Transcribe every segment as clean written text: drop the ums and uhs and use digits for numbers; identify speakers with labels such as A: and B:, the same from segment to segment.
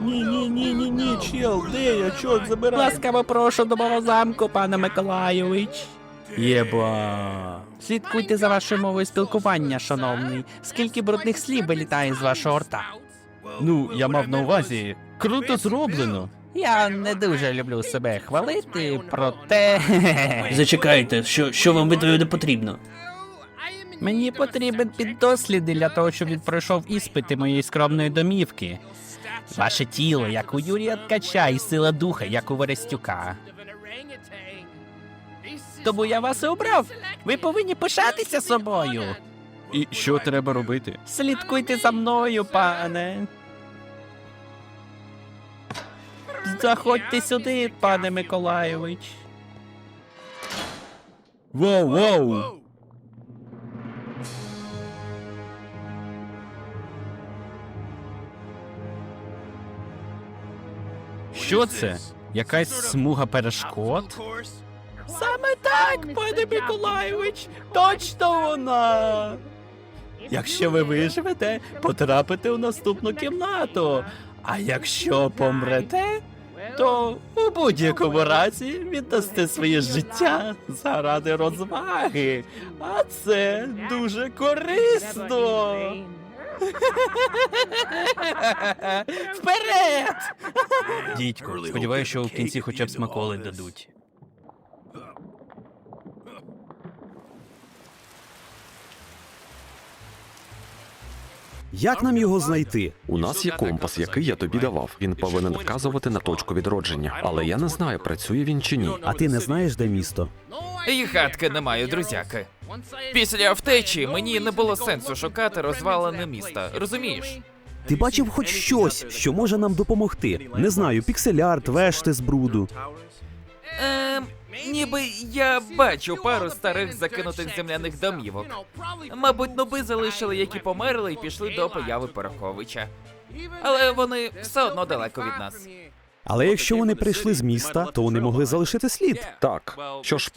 A: Ні, чел, де я? Чорт забирай.
B: Ласкаво прошу до мого замку, пане Миколайович.
A: Єба.
B: Слідкуйте за вашою мовою спілкування, шановний. Скільки брудних слів вилітає з вашого рта.
A: Ну, я мав на увазі. Круто зроблено.
B: Я не дуже люблю себе хвалити, проте...
A: Зачекайте, що вам від не потрібно?
B: Мені потрібен піддослідний для того, щоб він пройшов іспити моєї скромної домівки. Ваше тіло, як у Юрія Ткача, і сила духа, як у Верестюка. Тому я вас і обрав. Ви повинні пишатися собою.
A: І що треба робити?
B: Слідкуйте за мною, пане. Заходьте сюди, пане Миколайович.
A: Воу. Що це? Якась смуга перешкод?
B: Саме так, пане Миколайович, точно вона. Якщо ви виживете, потрапите у наступну кімнату. А якщо помрете, то у будь-якому разі віддасте своє життя заради розваги. А це дуже корисно. Вперед!
A: Дідько, сподіваюся, що в кінці хоча б смаколи дадуть.
C: Як нам його знайти?
D: У нас є компас, який я тобі давав. Він повинен вказувати на точку відродження. Але я не знаю, працює він чи ні.
C: А ти не знаєш, де місто?
E: І гадки не маю, друзяки. Після втечі мені не було сенсу шукати розвалене міста, розумієш?
C: Ти бачив хоч щось, що може нам допомогти? Не знаю, піксель-арт, вешти з бруду.
E: Ніби я бачу пару старих закинутих земляних домівок. Мабуть, нуби залишили, які померли, і пішли до появи Пороховича. Але вони все одно далеко від нас.
C: Але якщо вони прийшли з міста, то вони могли залишити слід.
D: Так, що ж,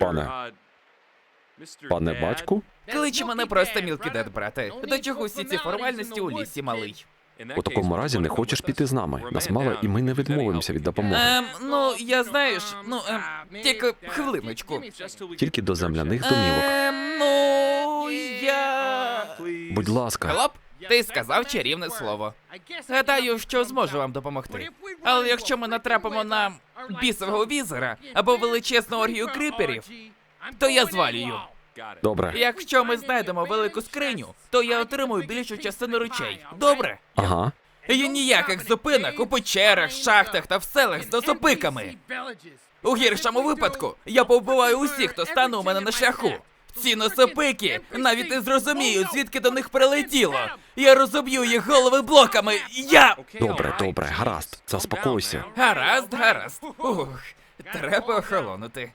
D: пане батьку?
E: Клич мене просто Мілкідет, брате. До чого всі ці формальності у лісі, малий?
D: У такому разі не хочеш піти з нами. Нас мало, і ми не відмовимося від допомоги.
E: Ну, я знаєш, тільки хвилиночку.
D: Тільки до земляних домівок.
E: Ну, я...
D: Будь ласка.
E: Хлоп, ти сказав чарівне слово. Гадаю, що зможу вам допомогти. Але якщо ми натрапимо на бісового візера або величезну оргію криперів, то я звалюю.
D: Добре.
E: Якщо ми знайдемо велику скриню, то я отримую більшу частину речей. Добре?
D: Ага.
E: І ніяких зупинок у печерах, шахтах та в селах з досопиками. У гіршому випадку я повбиваю усіх, хто стане у мене на шляху. Ці носопики навіть не зрозуміють, звідки до них прилетіло. Я розоб'ю їх голови блоками.
D: Добре, гаразд. Заспокойся.
E: Гаразд. Ух, треба охолонути.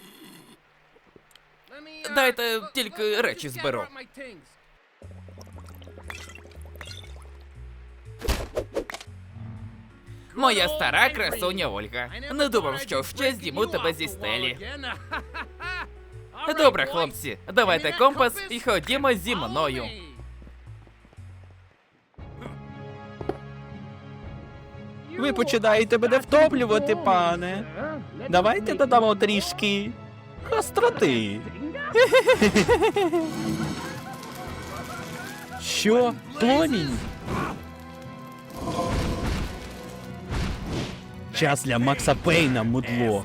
E: Дайте тільки речі зберу. Моя стара красуня Ольга. Не думав, що ще здіму тебе зі стелі. Добре, хлопці, давайте компас і ходімо зі мною.
B: Ви починаєте мене втоплювати, пане. Давайте додамо трішки гостроти. Що? Плонінь? Час для Макса Пейна, мудло.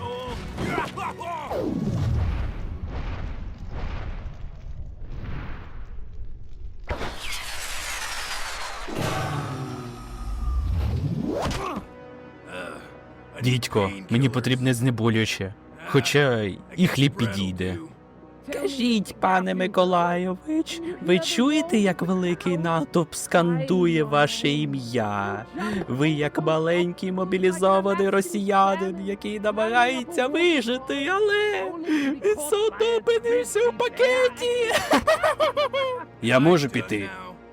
A: Дідько, мені потрібне знеболююче. Хоча і хліб підійде.
B: Кажіть, пане Миколайович, ви чуєте, як великий натовп скандує ваше ім'я? Ви як маленький мобілізований росіянин, який намагається вижити, але він все одно опинився у пакеті.
A: Я можу піти.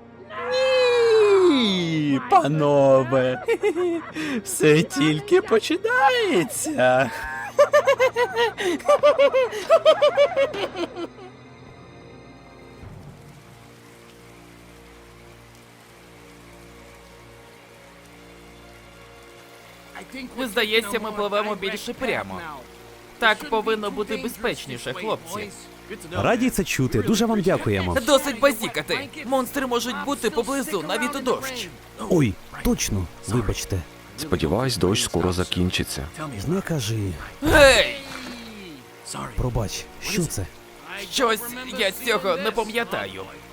B: Ні, панове, все тільки починається.
E: Здається, ми пливемо більше прямо. Так повинно бути безпечніше, хлопці.
C: Раді це чути. Дуже вам дякуємо.
E: Досить базікати. Монстри можуть бути поблизу, навіть у дощ.
C: Ой, точно, вибачте.
D: Сподіваюсь, дощ скоро закінчиться.
C: Не кажи.
E: Гей!
C: Пробач, що це?
E: Щось я цього не пам'ятаю.